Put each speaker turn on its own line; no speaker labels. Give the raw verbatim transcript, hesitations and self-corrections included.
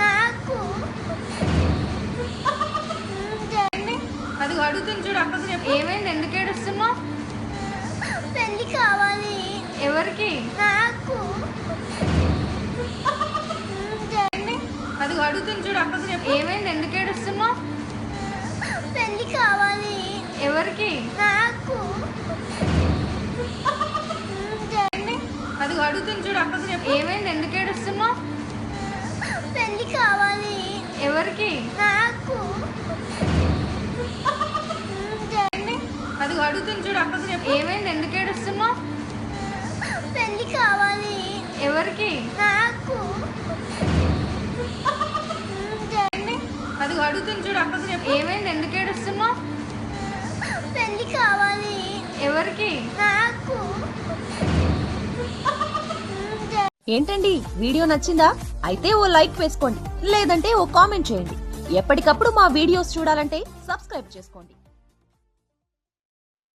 నాకు
అది అడుగుతుంది చూడు అక్కకు చెప్పు.
ఏమైంది? ఎందుకు ఏడుస్తున్నావు?
పెళ్లి కావాలి.
ఎవరికి?
నాకు
అది అడుగుతుంది చూడు అక్కకు చెప్పు.
ఏమైంది? ఎందుకు ఏడుస్తున్నావు?
పెళ్లి కావాలి.
ఎవరికి?
నాకు
అది అడుగుతుంది చూడు అక్కకు చెప్పు.
ఏమైంది? ఎందుకు ఏడుస్తున్నావు?
పెళ్లి కావాలి.
ఎవరికి?
నాకు
అది అడుగుతుంది చూడు అక్కకు చెప్పు.
ఏమైంది? ఎందుకు ఏడుస్తున్నావు?
పెళ్లి కావాలి.
ఎవరికి?
నాకు
అది అడుగుతుంది చూడు అక్కకు చెప్పు.
ఏమైంది? ఎందుకు ఏడుస్తున్నావు?
పెళ్లి కావాలి.
ఎవరికి?
నాకు
ఏంటండి వీడియో నచ్చిందా? అయితే ఓ లైక్ వేసుకోండి, లేదంటే ఓ కామెంట్ చేయండి. ఎప్పటికప్పుడు మా వీడియోస్ చూడాలంటే సబ్స్క్రైబ్ చేసుకోండి.